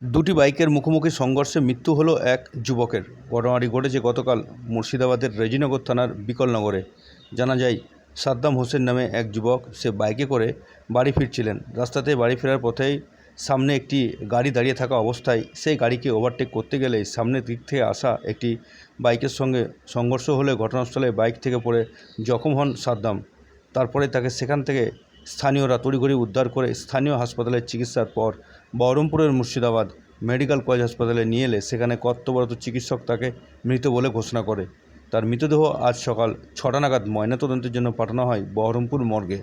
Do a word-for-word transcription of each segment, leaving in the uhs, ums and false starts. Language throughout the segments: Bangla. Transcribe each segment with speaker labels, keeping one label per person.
Speaker 1: দুটি বাইকের মুখোমুখি সংঘর্ষে মৃত্যু হলো এক যুবকের। ঘটনাটি ঘটেছে গতকাল মুর্শিদাবাদের রেজিনগর থানার বিকলনগরে। জানা যায়, সাদ্দাম হোসেন নামে এক যুবক, সে বাইকে করে বাড়ি ফিরছিলেন। রাস্তাতে বাড়ি ফেরার পথেই সামনে একটি গাড়ি দাঁড়িয়ে থাকা অবস্থায় সেই গাড়িকে ওভারটেক করতে গেলে সামনের দিক থেকে আসা একটি বাইকের সঙ্গে সংঘর্ষ হলে ঘটনাস্থলে বাইক থেকে পড়ে জখম হন সাদ্দাম। তারপরে তাকে সেখান থেকে স্থানীয়রা তড়িঘড়ি উদ্ধার করে স্থানীয় হাসপাতালে চিকিৎসার পর বহরমপুরের মুর্শিদাবাদ মেডিকেল কলেজ হাসপাতালে নিয়ে এলে সেখানে কর্তব্যরত চিকিৎসক তাকে মৃত বলে ঘোষণা করে। তার মৃতদেহ আজ সকাল ছটা নাগাদ ময়নাতদন্তের জন্য পাঠানো হয় বহরমপুর মর্গে।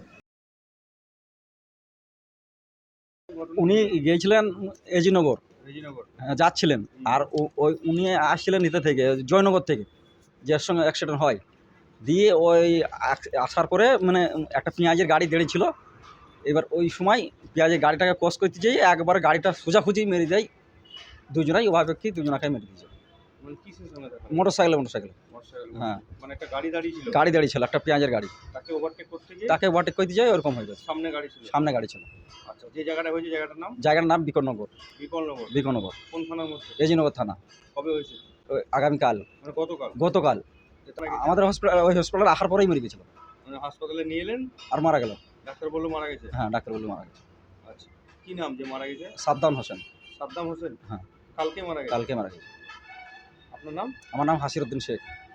Speaker 2: উনি গিয়েছিলেন এজিনগর
Speaker 1: রেজিনগর
Speaker 2: হ্যাঁ, যাচ্ছিলেন। আর ও- ওই উনি আসছিলেন নিতে থেকে জয়নগর থেকে, যার সঙ্গে অ্যাক্সিডেন্ট হয়। দিয়ে ওই আস- আসার পরে মানে একটা পেঁয়াজের গাড়ি দাঁড়িয়েছিল। এবার ওই সময় পেঁয়াজের গাড়িটাকে ক্রস করতে যেয়ে একবার গাড়িটা সোজাখুজি মেরে দেয়। দুজনাই ওভার ব্যক্তি দুজনাকে মেরে দিয়েছে।
Speaker 1: মানে কিসের সঙ্গে দেখা?
Speaker 2: মোটর সাইকেলে মোটর সাইকেলে
Speaker 1: মোটরসাইকেল।
Speaker 2: হ্যাঁ,
Speaker 1: মানে একটা গাড়ি দাঁড়িয়ে ছিল,
Speaker 2: গাড়ি দাঁড়িয়ে ছিল, একটা পেঁয়াজের গাড়ি।
Speaker 1: তাকে ওভারটেক করতে গিয়ে
Speaker 2: তাকে ওভারটেক করতে যায়, ওরকম হয়ে গেছে।
Speaker 1: সামনে গাড়ি ছিল।
Speaker 2: সামনে গাড়ি ছিল।
Speaker 1: আচ্ছা, যে জায়গাটা হয়েছে জায়গাটার নাম
Speaker 2: জায়গার নাম বিকনগর।
Speaker 1: বিকলনগর।
Speaker 2: বিকনগর
Speaker 1: কোন থানার মধ্যে?
Speaker 2: এজিনগর থানা।
Speaker 1: কবে হয়েছে?
Speaker 2: ওই আগামীকাল,
Speaker 1: মানে গতকাল।
Speaker 2: গতকাল
Speaker 1: এটা নাকি-
Speaker 2: আমাদের হসপিটাল ওই হসপিটালে আসার পরেই মরে গেছিল
Speaker 1: মানে হাসপাতালে নিয়ে এলেন,
Speaker 2: আর মারা গেল।
Speaker 1: ডাক্তার বললো মারা গেছে।
Speaker 2: হ্যাঁ, ডাক্তার বলে মারা গেছে।
Speaker 1: আচ্ছা, কি নাম যে মারা গেছে?
Speaker 2: সাদ্দাম হোসেন।
Speaker 1: সাদ্দাম হোসেন।
Speaker 2: হ্যাঁ।
Speaker 1: কালকে মারা গেছে।
Speaker 2: কালকে মারা গেছে।
Speaker 1: আপনার নাম?
Speaker 2: আমার নাম হাসির উদ্দিন শেখ।